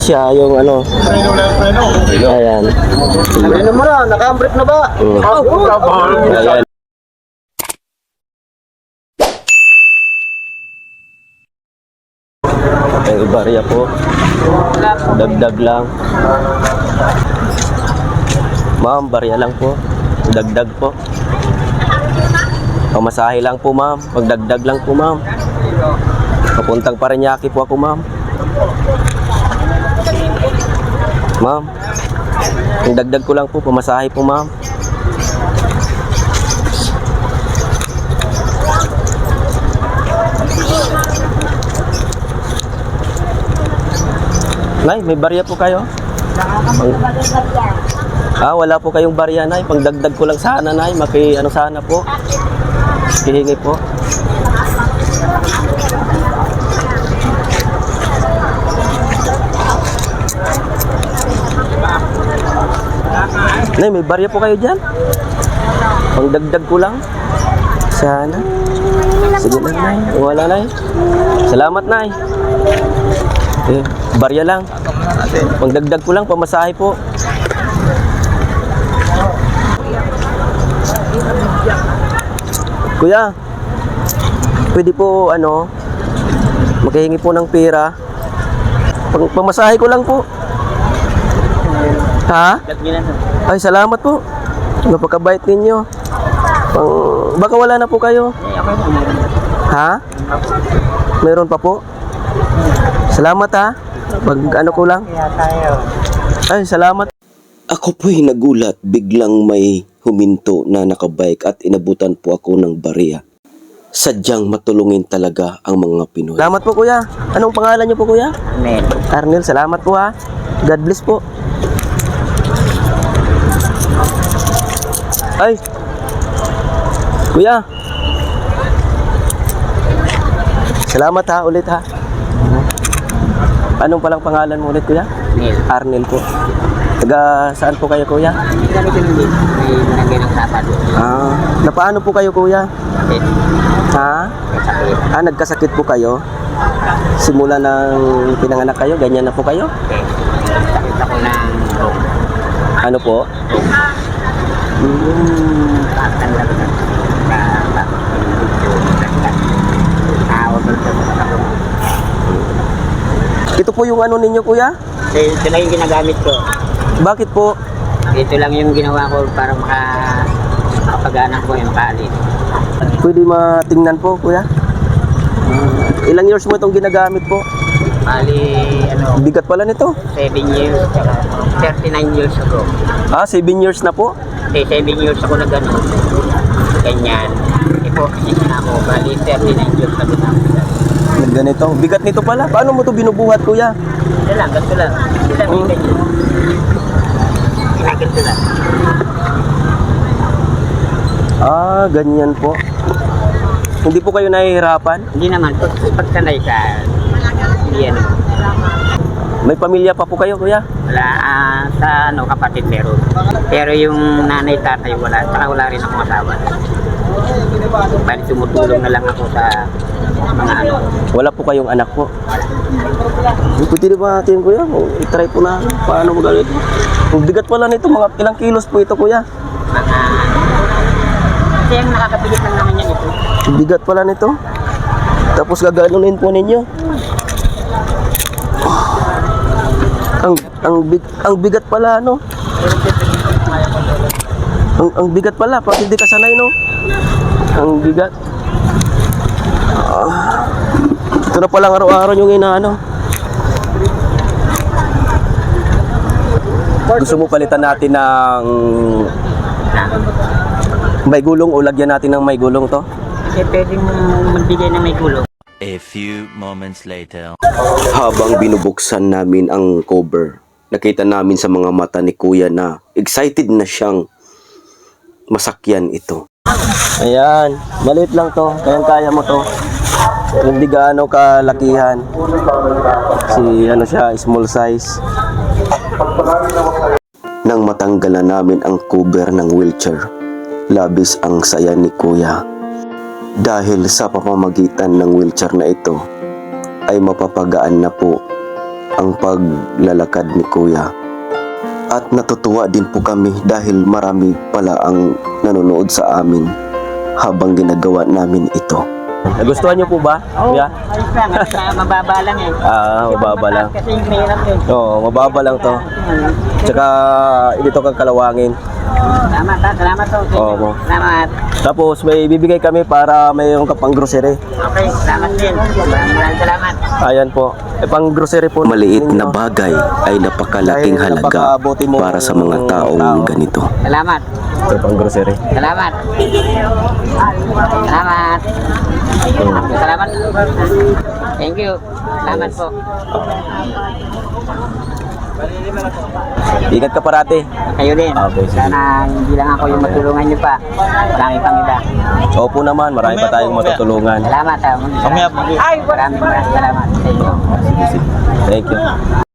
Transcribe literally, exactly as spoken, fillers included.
Siya yung ano. Preno lang, preno. Ayan. Preno mo na, naka-break na ba? Mm. Ayan. Ay, barya po. Dagdag lang. Ma'am, barya lang po. Dagdag po. Pamasahe lang po, ma'am. Pagdagdag lang po, ma'am. Papuntang Parañaque po ako, ma'am. Ma'am, ang dagdag ko lang po, pamasahe po, ma'am. Nay, may barya po kayo? Ah, wala po kayong barya, Nay. Pagdagdag ko lang sana, Nay. Maki, ano sana po. Hihingi po. Nay, may barya po kayo dyan? Pagdagdag ko lang. Sana. Sige lang, Nay. Wala, Nay. Salamat, Nay. Eh, barya lang. Pagdagdag ko lang, pamasahe po. Kuya, pwede po, ano, makahingi po ng pera. Pang pamasahe ko lang po. Ha? Ay, salamat po. Napakabait ninyo. Pang, baka wala na po kayo. Ha? Meron pa po? Salamat ha. Pag ano ko lang. Ay, salamat. Ako po'y nagulat, biglang may huminto na nakabike at inabutan po ako ng barya. Sadyang matulungin talaga ang mga Pinoy. Salamat po kuya. Anong pangalan niyo po kuya? Arnel. Arnel, salamat po ha. God bless po. Ay. Kuya. Salamat ha ulit ha. Anong palang pangalan mo ulit kuya? Arnel. Arnel po. Taga saan po kayo kuya? Hindi kami tinuli. May nalagay ng sapat. Ah, napaano po kayo kuya? Sakit. Ha? Sakit. Ah, nagkasakit po kayo? Simula ng pinanganak kayo, ganyan na po kayo? Okay. Sakit ako ng room. Ano po? Hmm. Patan lang na. Ito po yung ano ninyo kuya? Ito lang yung ginagamit ko. Bakit po? Ito lang yung ginawa ko para maka makapag-anak ko yung makaalis. Pwede matingnan po kuya? Ilang years mo itong ginagamit po? Bali, ano, Bigat pala nito. seven years, tsaka thirty-nine years ago. Ah, seven years na po? Eh, seven years ako na gano'n. Ganyan. Ipo-position ako. Bali, thirty-nine years ago na ako. Ganito. Bigat nito pala. Paano mo to binubuhat kuya? Ito lang, ganito lang. Ito lang yung ganyan. Ginagito lang. Ah, ganyan po. Hindi po kayo nahihirapan? Hindi naman, pag, pag sanay ka, hindi ano. May pamilya pa po kayo kuya? Wala, ah, sa ano, kapatid meron. Pero yung nanay, tatay, wala. Saka wala rin akong asawa. Bali, tumutulong na lang ako sa mga ano. Wala po kayong anak po? Pwede ba natin kuya? O, i-try po na paano mo gawin ito. Ang bigat pala nito, mga ilang kilos po ito kuya? Mga, kasi yung nakakapilit lang naman yan ito. Ang bigat pala nito. Tapos gaganunin po ninyo. Ang ang big ang bigat pala no. Ang ang bigat pala pag hindi ka sanay no. Ang bigat. Ah, ito na palang araw-araw yung inaano. Gusto mo palitan natin ng may gulong o lagyan natin ng may gulong to? Kasi pwede mo magbigay na may gulong. A few moments later. Habang binubuksan namin ang cover, nakita namin sa mga mata ni Kuya na excited na siyang masakyan ito. Ayan, maliit lang to, kayang-kaya mo to. Hindi gaano kalakihan. Si ano siya, small size. Nang matanggal na namin ang cover ng wheelchair, labis ang saya ni Kuya. Dahil sa pamamagitan ng wheelchair na ito, ay mapapagaan na po ang paglalakad ni Kuya. At natutuwa din po kami dahil marami pala ang nanonood sa amin habang ginagawa namin ito. Nagustuhan niyo po ba? Oo, Kuya? ayos lang. At saka mababa lang eh. Ah, mababa lang. Kasi yung mahirap yun. Oo, mababa lang to. Tsaka dito kang Kalawangin. Salamat ha, salamat po. Oo po. Salamat. Tapos may bibigay kami para mayroon ka pang grocery. Okay, salamat din. Maraming maraming salamat. Ayan po. E pang grocery po. Maliit na bagay ay napakalaking Dahil halaga napakabuti mo para sa mga ng taong tao. ganito. Salamat. Ito pang grocery. Salamat. Salamat. Salamat. Thank you. Salamat po. Ingat ka parati. Kayo din. Okay, sige. Sana hindi lang ako yung matulungan niyo pa. Marami pang iba. Opo naman, marami pa tayong matutulungan. Salamat ha. Maraming maraming salamat sa inyo. Thank you.